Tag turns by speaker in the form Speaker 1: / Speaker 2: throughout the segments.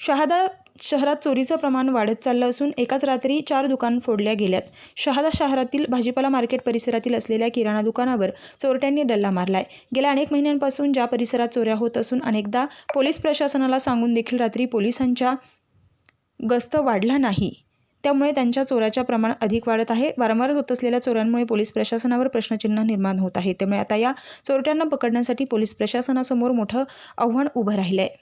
Speaker 1: शहादा शहरात चोरीचं प्रमाण वाढत चाललं असून एकाच रात्री 4 दुकान फोडल्या गेल्यात. शहादा शहरातील भाजीपाला मार्केट परिसरातील असलेल्या किराणा दुकानावर चोरट्यांनी डल्ला मारलाय. गेल्या अनेक महिन्यांपासून ज्या परिसरात चोऱ्या होत असून अनेकदा पोलीस प्रशासनाला सांगून देखील रात्री पोलिसांच्या गस्त वाढला नाही. त्यामुळे त्यांच्या चोऱ्याचे प्रमाण अधिक वाढत आहे. वारंवार होत असलेल्या चोऱ्यांमुळे पोलीस प्रशासनावर प्रश्नचिन्ह निर्माण होत आहे. त्यामुळे आता या चोरट्यांना पकडण्यासाठी पोलीस प्रशासनासमोर मोठं आव्हान उभं राहिलं आहे.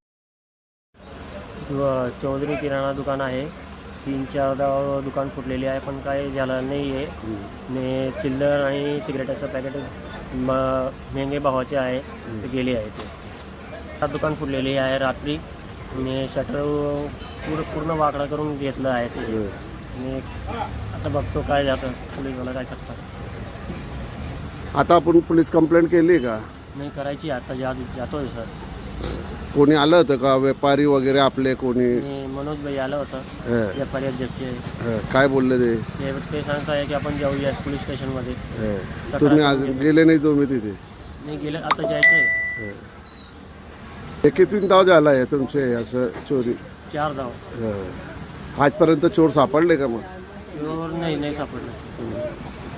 Speaker 2: चौधरी किराणा दुकान आहे. 3-4दा दुकान फुटलेली आहे, पण काही झालं नाही आहे. आणि चिल्लर आणि सिगरेटाचं पॅकेट महंगे भावाचे आहे, ते गेले आहे. ते दुकान फुटलेली आहे रात्री. आणि शटर पूर्ण वाकडा करून घेतलं आहे ते. आणि आता बघतो काय जातं, पोलीसवाला काय करतात.
Speaker 3: आता आपण पोलीस कंप्लेंट केली का?
Speaker 2: नाही करायची, आता जातोय सर.
Speaker 3: कोणी आलं होतं का? व्यापारी वगैरे आपले कोणी?
Speaker 2: आणि मनोज भाई आलं होतं, व्यापारी अध्यक्ष.
Speaker 3: काय बोलले
Speaker 2: ते सांगत आहे की आपण जाऊया पोलीस स्टेशनमध्ये.
Speaker 3: तुम्ही आज गेले नाही? तुम्ही तिथे
Speaker 2: नाही गेलं, आता जायचं आहे.
Speaker 3: हे किती धाव झाला आहे तुमचे असं चोरी?
Speaker 2: 4 धाव.
Speaker 3: आजपर्यंत चोर सापडले का? मग
Speaker 2: चोर नाही सापडलं.